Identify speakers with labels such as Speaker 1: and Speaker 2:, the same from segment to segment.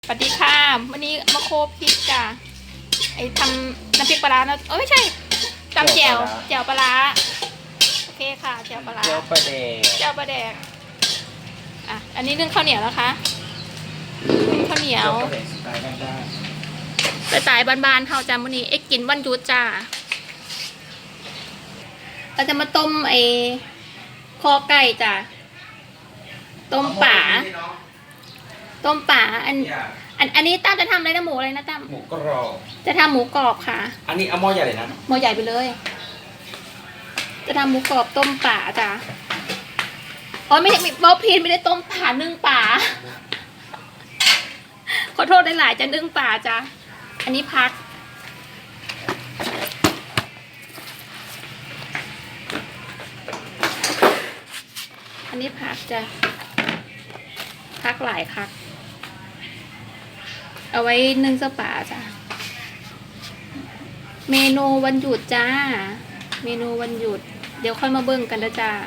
Speaker 1: สวัสดีค่ะวันนี้มาโคพริกจ้ะไอ้ทำน้ำพริกปลาร้านะไม่ใช่ตำแจ่วปลาร้าโอเคค่ะแจ่วปลาร้า
Speaker 2: แจ่วปลาแดก
Speaker 1: อ่ะอันนี้นึ่งข้าวเหนียวนะคะนึ่งข้าวเหนียวสไตล์บ้านๆเฮาจ้ะวันนี้กินวันหยุดจ้าเราจะมาต้มไอ้คอไก่จ้ะต้มป่าอันนี้ตั้มจะทำอะไรนะหมูอะไรนะตั้ม
Speaker 2: หมูกรอบ
Speaker 1: จะทำหมูกรอบค่ะ
Speaker 2: อันนี้เอาหม้อใหญ่เลยนะ
Speaker 1: หม้อใหญ่ไปเลย จะทำหมูกรอบต้มป่าจ้ะอ๋อไม่ใช่บอพีนไม่ได้ต้มป่านึ่งป่าขอโทษได้หลายจะนึ่งป่าจ้ะอันนี้พักจ้ะพักหลายพักเอาไว้นึ่งเสื้อป่าจ้ะเมนูวันหยุดจ้าเมนูวันหยุดเดี๋ยวค่อยมาเบิ่งกันนะจ้า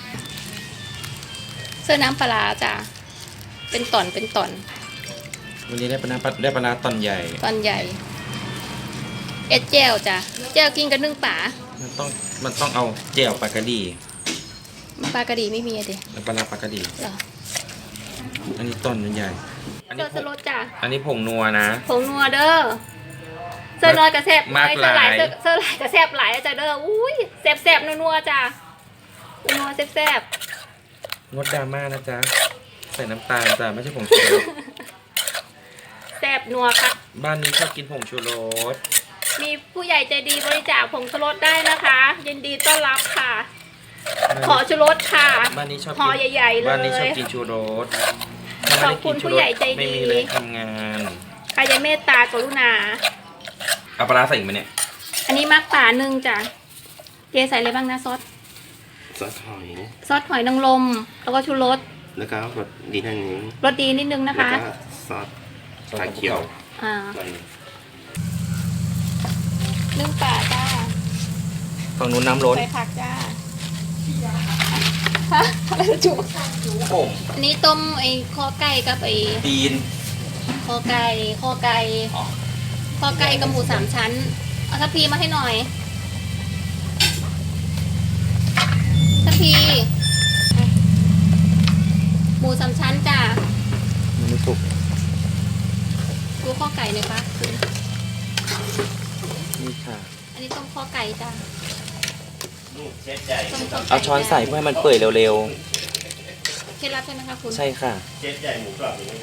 Speaker 1: เสื้อน้ำปลาจ้ะเป็นตอน
Speaker 2: วันนี้ได้ปลาร้าตอนใหญ่
Speaker 1: ตอนใหญ่แจ่วจ้ะแจ่วกินกับนึ่งป่า
Speaker 2: มันต้องเอาแจ่วปลากระดี
Speaker 1: ปลากระดีไม่มีอะดิ
Speaker 2: แล้วปลาร้าปลากระดี
Speaker 1: เหรอ
Speaker 2: อันนี้ตอนใหญ่
Speaker 1: เสื้อสลดจ้ะ
Speaker 2: อันนี้ผงนัวนะ
Speaker 1: ผงนัวเด้อเสื้อน้อยกระแซบ
Speaker 2: มากหลาย
Speaker 1: เสื้อหลายกระแซบหลายจ้ะเด้ออุ้ยแซบนัวจ้ะนัวแซบ
Speaker 2: งดดราม่านะจ๊ะใส่น้ำตาลจ้ะไม่ใช่ผงชูรส
Speaker 1: แซบนัวค่ะ
Speaker 2: บ้านนี้ชอบกินผงชูรส
Speaker 1: มีผู้ใหญ่ใจดีบริจาคผงชูรสได้นะคะยินดีต้อนรับค่ะขอชูรสค่ะ
Speaker 2: บ้านนี้ชอบ
Speaker 1: ห่อใหญ่ๆเลย
Speaker 2: บ้านนี้ชอบกินชูรส
Speaker 1: ขอบคุณผู้ใหญ่ใจดี
Speaker 2: ไม่มีเลยทำงาน
Speaker 1: ใครจะเมตตากรุณา
Speaker 2: เอาปลาร้าใส่อีกไหมเนี่ย
Speaker 1: อันนี้มักป่าหนึ่งจ้ะเจใส่อะไรบ้างนะซอสหอยนางรมแล้วก็ชูรส
Speaker 3: แล้วก็รสดีนิดนึง
Speaker 1: รสดีนิดนึงนะคะ
Speaker 3: แล้วก็ซอสชาเขียว
Speaker 1: นึ่งป่าจ้า
Speaker 2: ฝั่งนู้นน้ำล้น
Speaker 1: ใส่ผักจ้าฮะอะไรจุ๊อันนี้ต้มไอ้คอไก่กับไอ้
Speaker 2: ตีน
Speaker 1: คอไก่กับหมู3 ชั้นเอาทัพพีมาให้หน่อยทัพพีหมู3 ชั้นจ้า
Speaker 2: มันไม่สุก
Speaker 1: ดูข้อไก่หน่อยคะ
Speaker 2: นี่ค่ะ
Speaker 1: อันนี้ต้มข้อไก่จ้า
Speaker 2: เอาช้อนใส่เพื่อให้มันเปื่อยเร็ว
Speaker 1: ๆเคล็ดลับใช่ไหมคะคุณ
Speaker 2: ใช่ค่ะ
Speaker 3: เจ็ดใหญ่หมูกรอบนี่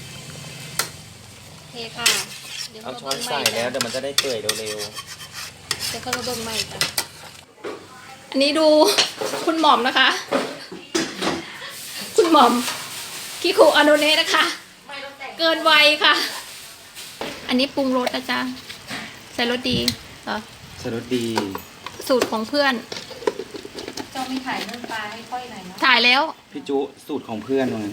Speaker 1: โอเคค่ะ
Speaker 2: เอาช้อนใส่แล้วเดี๋ยวมันจะได้เปื่อยเร็ว
Speaker 1: เดี๋ยวเขาจะเบิ่งใหม่จ้ะอันนี้ดูคุณหม่อมนะคะคุณหม่อมคิคุอโนเนะนะคะเกินวัยค่ะอันนี้ปรุงรสนะจ๊ะใส่รสดีเหรอ
Speaker 2: ใส่รสดี
Speaker 1: สูตรของเพื่อน
Speaker 4: เจ้ามีถ่ายเรื่องปลาให้ค่อยหน่อยเนาะ
Speaker 1: ถ่ายแล้ว
Speaker 2: พี่จุสูตรของเพื่อนมัน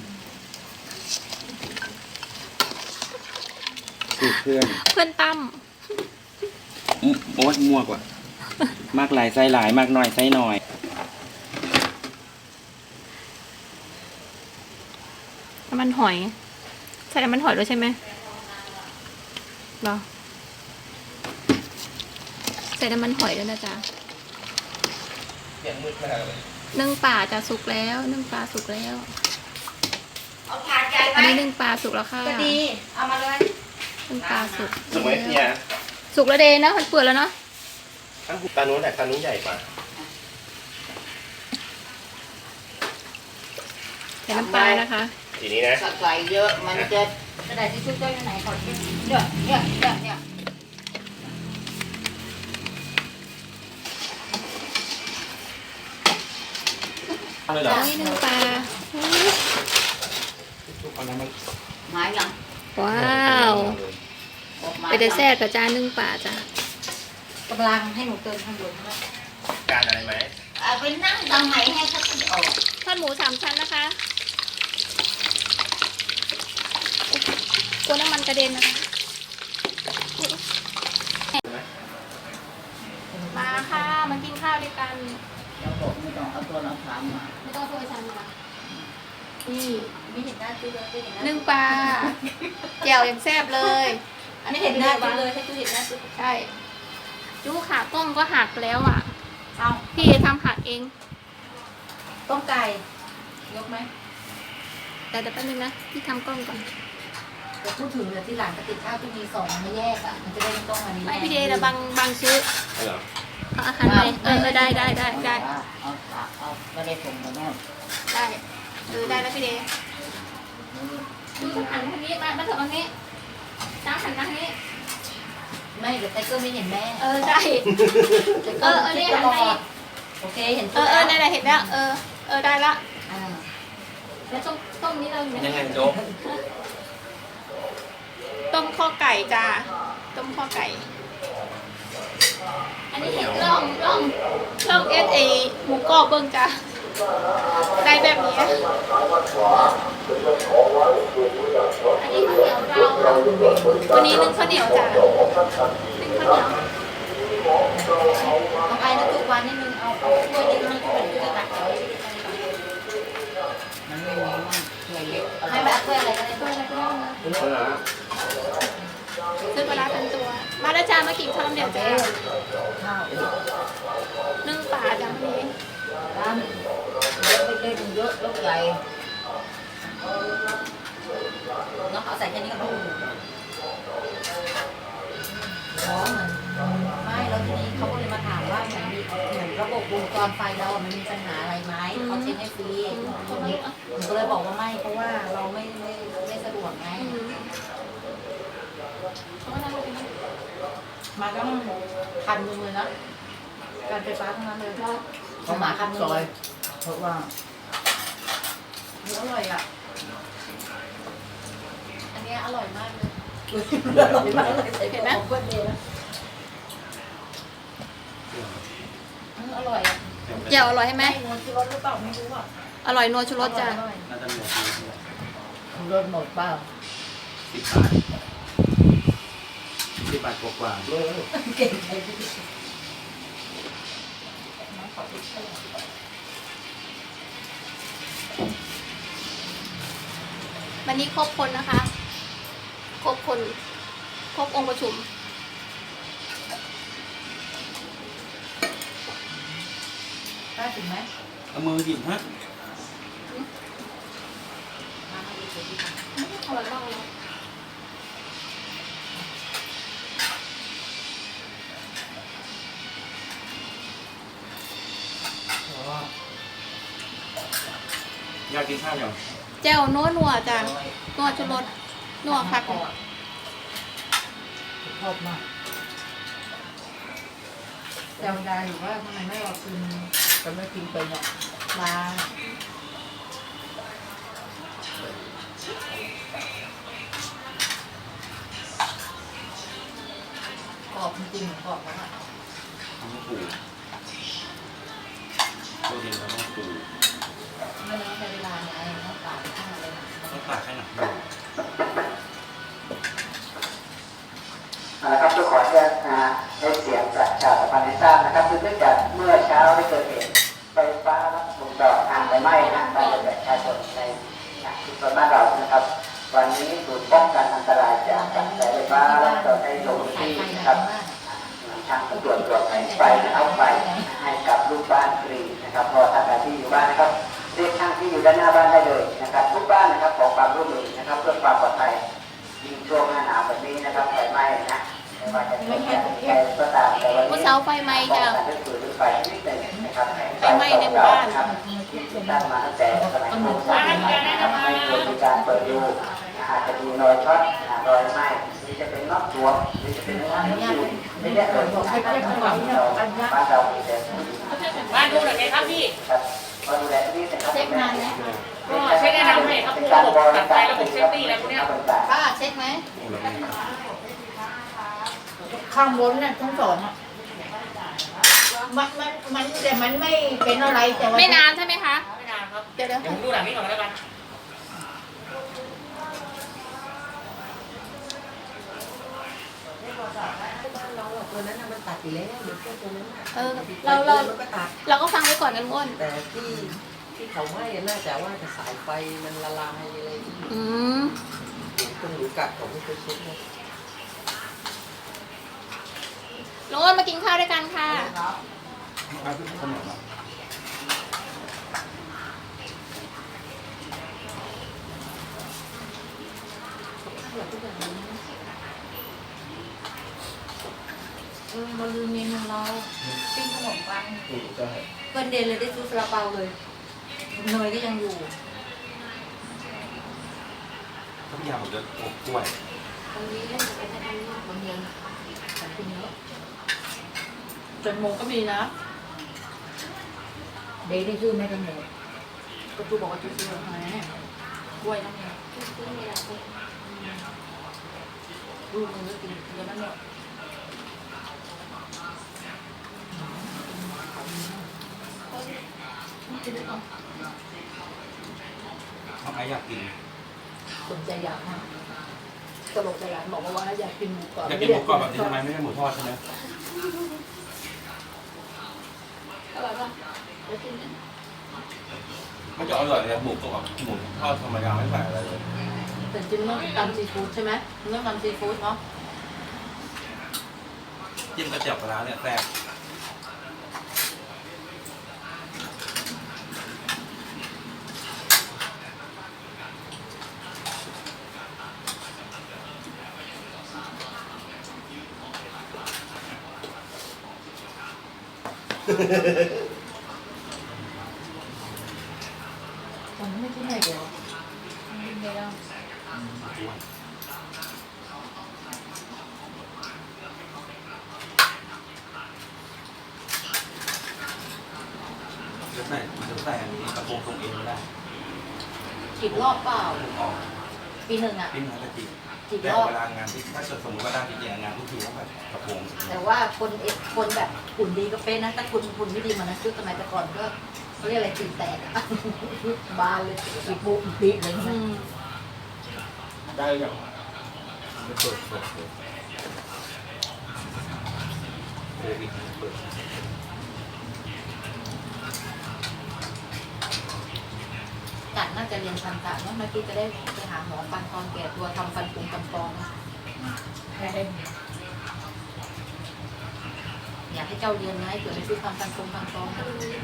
Speaker 2: สูตรเพื่อน
Speaker 1: ตั้ม
Speaker 2: โอ๊ยมั่วกว่ามากหลายไส้หลายมากหน่อยไส้หน่อย
Speaker 1: น้ำมันหอยใส่น้ำมันหอยด้วยใช่ไหมเหรอใส่น้ำมันหอยด้วยนะจ๊ะนึ่งปลาจะสุกแล้วนึ่งปลาสุกแล้ว
Speaker 4: เอาผ่านใจไหม
Speaker 1: อันนี้นึ่งปลาสุกแล้วค่ะ
Speaker 4: ก็ดีเอามาเลย
Speaker 1: นึ่งปลาสุก
Speaker 3: สมัยเนี่ย
Speaker 1: สุกแล้วเดนะมันเปื่อยแล้วเนาะ
Speaker 3: ตานู้นแต่ตานู้นใหญ่กว่า
Speaker 1: ใส่น้ำปลานะคะ
Speaker 3: ทีนี้นะ
Speaker 4: ใส่เยอะมันจะกระดาษทิชชู่เจ้าอยู่ไหนขอที่เนี่ย
Speaker 2: อะไรเหรอ
Speaker 1: นี่นึ่งปลา
Speaker 4: หมายยัง
Speaker 1: ว้าวไปเดแซ่กับจานนึ่งปลาจ้ะ
Speaker 4: กำลังให้หนูเติมข้างบน
Speaker 3: การอะไรไหม
Speaker 4: ไปนั่งดังไหนให้เขาติดออก
Speaker 1: ทอดหมู3 ชั้นนะคะกลัวน้ำมันกระเด็นนะคะมาค่ะมากินข้าวด้วยกัน
Speaker 4: เราบอกไม่ต้องเอาตัวเราถามมา
Speaker 1: ไม่ต้องเอาตัวไปทำมานี่
Speaker 4: ไม่เห็นหน้าจุ๊เลยไม่เห็นหน้า
Speaker 1: นึ่งปลาแจ่วอย่างแซ่บเลย อัน
Speaker 4: ไม่
Speaker 1: นี้
Speaker 4: เห็
Speaker 1: เห็
Speaker 4: น
Speaker 1: น
Speaker 4: ห
Speaker 1: ห
Speaker 4: น้า
Speaker 1: น้า
Speaker 4: จุ๊
Speaker 1: จุ๊
Speaker 4: เลยให้จุ๊เห็นหน้าจุ๊
Speaker 1: ใช่จุ๊ขากล้องก็หักแล้วอ่ะ
Speaker 4: เอา
Speaker 1: พี่ทำหักเอง
Speaker 4: ต้มไก่ยกไหม
Speaker 1: แต่แป๊บนึงนะพี่ทำกล้องก่อน
Speaker 4: แต่พูดถึงเลยที่หลังกระติกข้าวที่มีสองไม่แยกอ่ะมันจะได้ไม่ต้องอันนี้
Speaker 1: ไม่พี่เดย์นะบางซื้อ
Speaker 3: เหรอ
Speaker 1: เอาอาหารใหม่ได้
Speaker 4: เอาไม่ได้ส่งมาแน่
Speaker 1: ได้ได้แล้วพี่เดย์ดูหันทางนี้มาเถอะทางนี้จ้าหันทางนี้
Speaker 4: ไม่เดี๋ยวไตเกิ้ลไม่เห็นแม่
Speaker 1: ได้ เนี่ยหันไป
Speaker 4: โอเคเห็น
Speaker 1: นั่นแหละเห็นแล้วได้ละ
Speaker 4: อ่า
Speaker 1: แล้วต้มนี้เราอยู่
Speaker 2: ยัง
Speaker 1: ไหน
Speaker 2: ไงโจ๊ก
Speaker 1: ต้มข้อไก่จ้าต้มข้อไก่ อันนี้เห็นล่องเอสเอหมูกรอบเบิ้งจ้าได้แบบนี้อันนี้ข้าวเหนียวเราวันนี้นึ่งข้าวเหนียวจ้านึ่งข้าวเหนียว
Speaker 4: เอาไปนะทุกวันนิดนึงเอาถ้วยเล็กนึงก็เป็นจะตักเอามันไม่มีมันถ้วยเล็กให้แบบถ้วยอะไรก็ได้ถ้วยอะไรก็ได้
Speaker 3: เหรอ
Speaker 1: ซื้อปลาร้าเป็นตัว มาแล้วจ้ามากินข้าวเหนียวจ้า
Speaker 4: ข้าว
Speaker 1: นึ่งปลาจ้าวันนี้
Speaker 4: ร้านเล็กเล็กเยอะลูกใหญ่เนาะเอาใส่แค่นี้ก็พออ๋อเหมือนไม่แล้วทีนี้เขาก็เลยมาถามว่าเหมือนระบบวงจรไฟเรามันมีปัญหาอะไรไหมเขาเช็คให้ฟรีหนูก็เลยบอกว่าไม่เพราะว่าเราไม่สะดวกไงมาตั้ง1,000เลยนะการไฟฟ้าทั้งนั้นเลยเขามา1,000เลยเพราะว่าอร่อยอ่ะอันนี้อร่อยมากเลยอร่อยมากเลยใส่เห็นไหมของคนเดียวนะอร่อยอ่ะ
Speaker 1: เจียวอร่อยใช่ไหม
Speaker 4: นัวชูรสหรือเปล่าไม่รู้อ่ะ
Speaker 1: อร่อยนัวชูรสจ้า
Speaker 2: น่าจะหมด
Speaker 4: ชูรสหมดเปล่า
Speaker 2: 10 บาทกว่า
Speaker 4: เก่งใจพี่
Speaker 1: วันนี้ครบคนนะคะ ครบคนครบองค์ประชุม
Speaker 4: กล้าถึงไหม
Speaker 2: เอามือหยิบฮะ
Speaker 4: มาให้ดีดี
Speaker 1: อร่อยมากเลย
Speaker 2: อยากกินข้าวยัง
Speaker 1: แจ่วนัวจ้านัวชูรสนัวคัก
Speaker 4: ชอบมากจำได้อยู่ว่าทำไมไม่รอกินจะไม่กินไปเนี่ยมากรอบจริงๆกรอบมาก
Speaker 2: ต้องปูโปรตีนเราต้องปู
Speaker 4: ไม่ต้องใช้เวลาไงต้องตากข้างอะไรนะ
Speaker 2: ต้องตากให้หนัก
Speaker 5: นะครับทุกคนจะได้เสียงประชาสัมพันธ์ให้ทราบนะครับคือเนื่องจากเมื่อเช้าได้เกิดเหตุไฟฟ้าลัดวงจรทางไฟไหม้นะบ้านเรือนประชาชนในชุมชนบ้านเรานะครับ วันนี้ศูนย์ป้องกันอันตรายจากกระแสไฟฟ้าลัดวงจรได้ลงพื้นที่นะครับทางตำรวจตรวจไฟเอาไฟให้กับลูกบ้านฟรีนะครับพอทำงานที่อยู่บ้านนะครับเรียกช่างที่อยู่ด้านหน้าบ้านได้เลยนะครับทุกบ้านนะครับขอความร่วมมือนะครับเพื่อความปลอดภัยยิ่งช่วงหน้าหนาวแบบนี้นะครับไฟไหม้นะไม่ว่าจะเป็นใครก็ตามแต่วัน
Speaker 1: เมื่อ
Speaker 5: นี้
Speaker 1: เช้าไฟไหม้จ้า
Speaker 5: ไฟนิดหนึ่งนะครับ
Speaker 1: ไฟไหม้ในหมู่บ้าน
Speaker 5: ครับตั้งมาตั้งแต่สมัยโบราณนะครับไม่ควรมีการเปิดดูอาจจะมีรอยช็อตรอยไหม้หรือจะเป็นน็อตตัวหรือจะเป็นน้ำอยู่ไม่ได้เกิดจากการทำงานบ้านเรามีแต่
Speaker 6: บ้านดูหน่อยไหมครับพี่
Speaker 5: ครับมาดูแลที่นี่นะครับ
Speaker 4: เช็คนานไหม
Speaker 6: ก็เช็คแนะนำให้ครับพวกระบบตัดไฟระบบเซฟตี้อะไรพวกเนี้ย
Speaker 4: ป้าเช็คไหม
Speaker 7: ข้างบนน่ะทั้งสองอ่ะมันแต่มันไม่เป็นอะไรแต่ว่า
Speaker 1: ไม่นานใช่ไหมคะ
Speaker 6: ไม่นานครับ
Speaker 1: เดี๋ยว
Speaker 6: เดี๋ยวผมดูหลังนี้ก่อนแล้วกัน
Speaker 4: ตัวนั้นมันตัดไปแล้วหรือแค่ตัวนั้น
Speaker 1: เรา
Speaker 4: มันก็ตัด
Speaker 1: เราก็ฟังไว้ก่อนนะลุงอ้น
Speaker 4: แต่ที่ที่เขาไหม้น่าจะว่าจะสายไฟมันละลายอะไร
Speaker 1: อืม
Speaker 4: ตรงหรือกัดของไม่เคยเช็คเลย
Speaker 1: ลุงอ้นมากินข้าวด้วยกันค่ะ
Speaker 7: มาลืมเมนูเราปิ้งขนมปัง
Speaker 3: ใช่
Speaker 4: เพื่อนเดนเลยได้ซื้อซาลาเปาเลยเนยก็ยังอยู่
Speaker 2: ทุกอย่างผมจะอบกล้วย
Speaker 4: ตรงนี้จะเป็นอันนี้บางเดือนแต่คุณเยอะ
Speaker 7: แตงโมก็มีนะ เดย์ได้ซื้อไหมแตงโม
Speaker 4: ก็จูบอกว่าจูซื้อให้กล้วยน้ำเนี่ยลูกมึงก็กินเยอะนั่นเนี่ย
Speaker 2: น้องไออยากกิน
Speaker 4: สนใจอยากนะตลกใจหลานบอกว่าอยากกินหมูกรอบ
Speaker 2: อยากกินหมูกรอบแบบนี้ทำไมไม่ใช่หมูทอดใช่ไหม
Speaker 1: อร่อยป่ะ
Speaker 2: มันจะอร่อยเลยหมูกรอบหมูทอดธรรมดาไม่ใส่อะไรเลย
Speaker 4: แต่จริงๆต้องตำซีฟู้ดใช่ไหมต้องตำซีฟู้ดเนาะ
Speaker 2: จิ้มกระเจี๊ยบปลาร้าเนี่ยแซ่บ
Speaker 4: ผมไม่คิดอะไรเดียว
Speaker 2: จะใส่อันนี้กระโปรงตรงเองไม่ได้
Speaker 4: กี่รอบเปล่า
Speaker 2: ออก
Speaker 4: ปีหนึ่งอ่ะ
Speaker 2: ปิ้งแล้วจะจีบ
Speaker 4: กี่
Speaker 2: แต่
Speaker 4: รอบ
Speaker 2: เวลางานที่ถ้าเกิดสมมติว่าได้จริงๆงานทุกทีต้องแบบกระโปรง
Speaker 4: แต่ว่าคนแบบหุ่นดีก็เป็นนะแต่คุณไม่ดีมันนะคือสมัยแต่ก่อนก็เขาเรียกอะไรตีแตกอะ บานเลย
Speaker 7: อีกปุ๊บอีกปีเลยใช่ไหม
Speaker 3: ได้ยังไม่เปิด
Speaker 2: โควิดเปิด
Speaker 4: กัดน่าจะเรียนฟันกัดเนาะเมื่อกี้จะได้ไปหาหมอฟันตอนแก่ตัวทำฟันปรุงกำปองนะ
Speaker 7: ใช่
Speaker 4: อยากให้เจ้าเรียนนะให้เกิดไปซื้อฟันปรุงกำปอง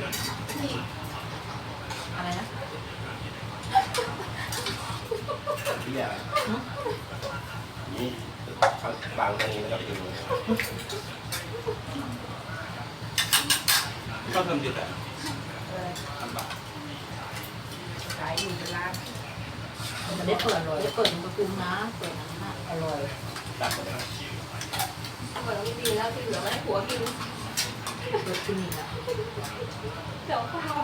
Speaker 4: อะไรนะ
Speaker 3: พี่อะนี่เขาบางตรงนี้แล้วก็ถึง
Speaker 2: ก็เพิ่มจุดแต่ลำบาก
Speaker 7: ขายอยู่เป็นร้าน
Speaker 4: มันได้เปิดเลยได้เปิดมันประตูนะเปิดน้ำอร่อย
Speaker 2: ตัดไปแล้ว
Speaker 1: เปิดแล้วไม่ดีแล้วที่เหลือไว้ให้ผัวกิน
Speaker 4: เปิดคลินิกอะ
Speaker 1: เดี๋ยวข้าว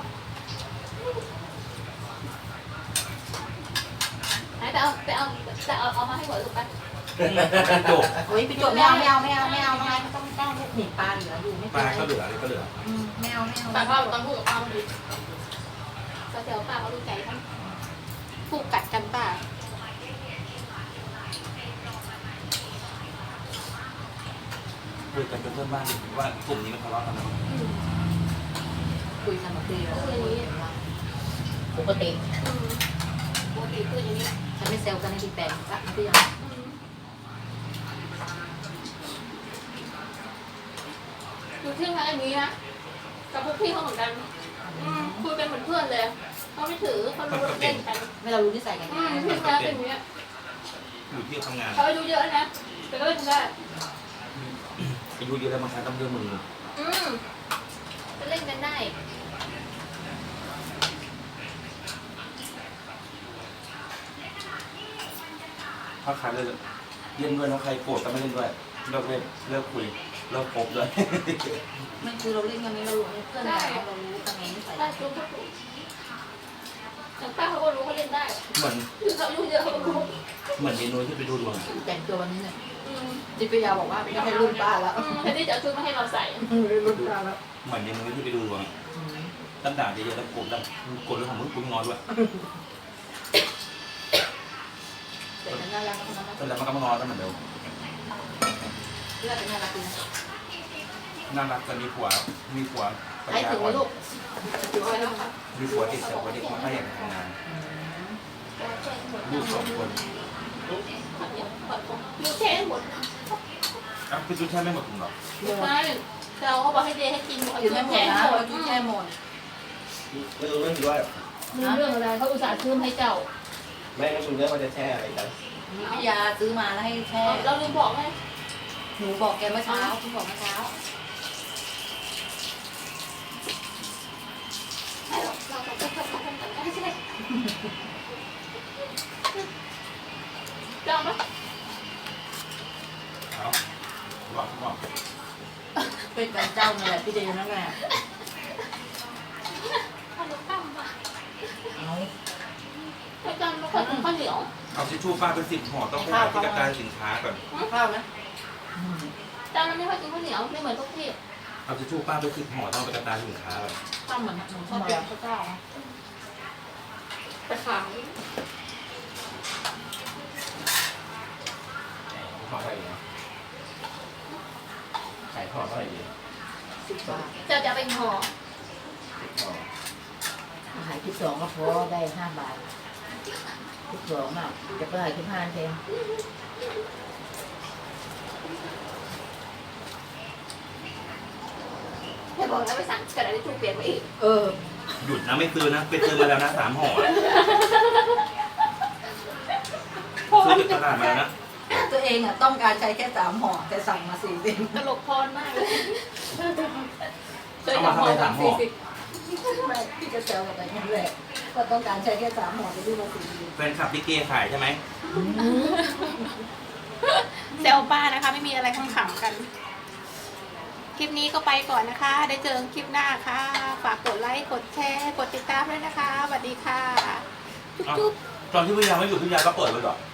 Speaker 1: ไหนเอามาให้ผัวดูไป
Speaker 2: จบ
Speaker 4: โอ้ยไปจดไม่เอาน้องไงก็ต้องหนีปลาเหลืออยู่ไม่
Speaker 2: ป
Speaker 4: เป็น
Speaker 2: ลา
Speaker 4: ไร
Speaker 2: ก็เหลืออะไรก็เหลือ
Speaker 4: ไม่เอา
Speaker 6: แต่ว่าต้องพูดกับป้าดี
Speaker 1: ก็เดี๋ยวป้าเขาดูใจทั้งผูกกัดกันป้า
Speaker 2: คุยกันเป็นเพื่อนบ้านว่ากลุ่มนี้มันทะเลาะกันนะ
Speaker 4: คุยกันแบบนี้
Speaker 7: ปกติ
Speaker 1: ปกติคืออย่างนี้
Speaker 4: ฉันไม่เซลกันในดีแปลงละพี่ยัง
Speaker 1: ดูที่ทางอันนี้นะกับพวกพี่เขาเหมือนกันคุยเป็นเหมือนเพื่อนเลยเขาไม่ถือเขารู้เล่นกัน
Speaker 4: ไม่เรารู้นิสัยกัน
Speaker 1: พี่เขาเป็นอย่างนี้
Speaker 2: อยู่ที่ทำงาน
Speaker 1: เขาอายุเยอะนะแต่ก็เล่นได้
Speaker 2: อายุเยอะแล้วบางครั้งต้องเรื่องมือ
Speaker 1: จะเล่นกันได้
Speaker 2: ถ้าใครเล่นด้วยแล้วใครโกรธก็ไม่เล่นด้วยเลิกเล่นเลิกคุยเลิกคบด้วย
Speaker 4: มันคือเราเล่นกันนี้เรารู้เพื่อนเรารู้กันไงนิสัย
Speaker 1: ได้รู้ก็ถูกอย่างป้าเขาก็รู้เขาเล่นได้
Speaker 2: เหมือน
Speaker 1: คือเขาอายุเยอะเขาก็รู้
Speaker 2: เหมือนเมนูที่ไปดูดวง
Speaker 4: แต่งตัววันนี้เนี่ยจิปยาบอกว่าไม่ให้รุ่นป้าแล้ว
Speaker 1: แทนที่จะเอาชุดมาให้เราใส่
Speaker 7: รุ่นป้าแล้ว
Speaker 2: เหมือนเมนูที่ไปดูดวงตั้งด่าเยอะๆแล้วโกรธแล้วโกรธเรื่องของมึงกูงอนด้วย
Speaker 4: แต่น่ารักนะ
Speaker 2: แล้วมันก็มางอนแล้วเหมือนเดิม
Speaker 4: เลือดเป็นน่ารักดีนะ
Speaker 2: น่ารักจะมีผัว
Speaker 4: ใครถึงไหมลูก
Speaker 2: มีผัวติดแต่ผัวติดไม่ค่อยอยากทำงานลูก2 คน
Speaker 1: ดูแช่หมด
Speaker 2: อ่ะพี่จุ๊ดแช่ไม่หมดถุงหรอ
Speaker 1: ใช่เราก็บอกให้เดย์ให้กิน
Speaker 4: กินไม่หมดนะเรากินแค่หมด
Speaker 3: ไม่รู้เรื่องด้วย
Speaker 1: มีเรื่องอะไรเขาอุตส่าห์ซื้อให้เจ้า
Speaker 3: ไม่รู้เรื่องว่าจะแช่อะไรกัน
Speaker 4: มีพิยาซื้อมาแล้วให้แช่
Speaker 1: เราลืมบอกไง
Speaker 4: หนูบอกแกเมื่อเช้าคุณบอกเมื่อเช้า
Speaker 1: เราก็จะทำกันได้ใช่ไหมจำไหม
Speaker 2: เอาบอก
Speaker 4: เป็นการเจ้านั่นแหละพี่เดย์นั่นแหละ
Speaker 1: ขนมปังมา
Speaker 4: เอา
Speaker 1: ไปจำแล้วก็ข้าวเหนียว
Speaker 2: เอาทิชชู่ป้าเป็น10 ห่อต้องไปหาที่กระจายสินค้าก่อน
Speaker 4: ข้าวนะ
Speaker 1: จำมันไม่ค่อยกินข้าวเหนียวไม่เหมือนทุกที่
Speaker 2: เอาทิชชู่ป้าเป็น10 ห่อต้องไปกระจายสินค้าก่อน
Speaker 4: ข้าวเหมือนหนูชอบกินข้าวเจ้า
Speaker 1: ไปขาย
Speaker 3: ห่อเท่าไหร่ดีขายห่อเท่าไหร่ดี
Speaker 4: 10 บาท
Speaker 1: เจ้าจะไปห่อ
Speaker 3: ห่อ
Speaker 4: อาหารที่2ก็พอได้5 บาทที่2อ่ะจะไปหาที่5เอง
Speaker 1: ให้บอกแล้วไปสั่งกระดาษทิชชู่เปลี่ยนมาอีก
Speaker 2: หยุดนะไม่ซื้อนะไปซื้อมาแล้วนะ3 ห่อซื้อจากตลาดมาแล้วนะ
Speaker 4: ตัวเองอ่ะต้องการใช้แค่3 ห่อแต่สั่งมา4 เอง
Speaker 1: ตลกพรมากเลย
Speaker 2: เอามาทำไม3 ห่อ
Speaker 4: ไม่พี่จะแซวกับอะไรนั่นแหละก็ต้องการใช้แค่3 ห่อแต่พี่มา4 เอง
Speaker 2: แฟนคลับที่เกขายใช่ไหม
Speaker 1: เซลป้านะคะไม่มีอะไรขำๆกัน คลิปนี้ก็ไปก่อนนะคะ ได้เจอคลิปหน้าค่ะ ฝากกดไลค์ กดแชร์ กดติดตามด้วยนะคะ สวัสดีค่ะ จุ๊บ
Speaker 2: ตอนที่วิญญาณไม่อยู่วิญญาณก็เปิดไว้ก่อน